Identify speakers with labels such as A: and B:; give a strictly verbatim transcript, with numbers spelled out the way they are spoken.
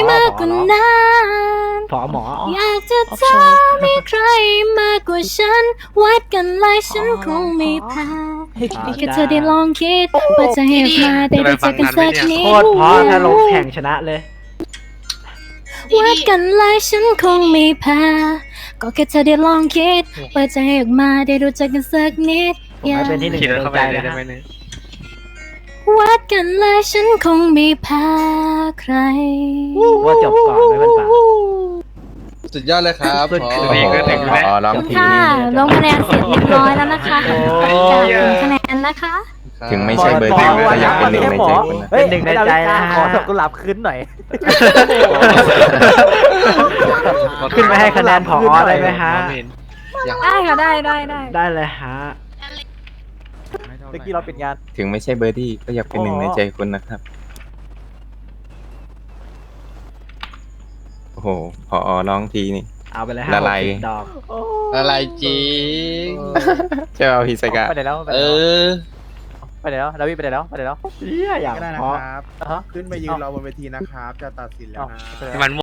A: มากกว่านั้น
B: ผอหมอ
A: อยากจะเจอมีใครมากกว่าฉันวัดกันเลยฉันคงไม่แพ้แค่เธอได้ลองคิดว่าจะให้มาได้รู้จักกันสักนิด
B: โคตรเพราะถ้าลงแข่งชนะเลย
A: วัดกันเลยฉันคงไม่แพ้ก็แค่เธอได้ลองคิดว่าจะให้ออกมาได้รู้จักกันสักนิด
B: ผมให้เป็นที่หนึ่ง
C: ขี่
B: ใน
C: รถ
B: ดว
C: เข้าง ไป
B: ใจ
C: เลย
B: นะ
C: ได้
B: ฮะ
C: ไหมเนี่ย
A: วัดกันเลยฉันคงไม่แพ้ใคร
B: ว่าจบก่อนไม่เป็นป่า
D: สุดยอดเลยครับ
B: สุด
D: พอ
B: คือ
C: นี่ก็ถึงแล้ว
E: อ๋อร้องที
A: ค่ะ
E: นี่
A: ลงคะแนนเสร็จเรียบร้อยแล้วนะคะ
B: โอ้
A: จากผลคะแนนนะคะ
E: ถึงไม่ใช่เบอร์หนึ่งแต่อยากเป็นหนึ่งในใจคุณนะ
B: เป็นหนึ่งในใจนะฮะ
F: ขอดอกกุหลาบขึ้นหน่อย
B: ขึ้นไปให้คะแนนผออะไรไหมฮะ
A: ได้ค่ะได้ได้ได้
B: ได้เลยฮะ
F: เมื่อกี้เราปิดงาน
E: ถึงไม่ใช่เบอร์ดี้ก็อยากเป็นหนึ่งในใจคุณนะครับ โอ้โหพอร้องทีนี่
B: เอาไปเลยฮะ
E: ละลาย
B: หกสิบดอก
D: อะไรจริง
E: เจ้าฮิสกะ
F: ไปไหนแล้วไปไหน
D: เอ
F: แล้ว
D: อ
F: ไปไหนแล้วดาวิดไปไหนแล้วไปไหนแล้ว
B: เหี้ยอย่าง
G: ก็ได้นะ
B: เพราะ
G: ครับ
F: อ่ะฮะ
G: ขึ้นไปยืนรอบนเวทีนะครับ จะตัดสินแล้วนะ
F: เอ้าไปไหนแล้ว
C: มัน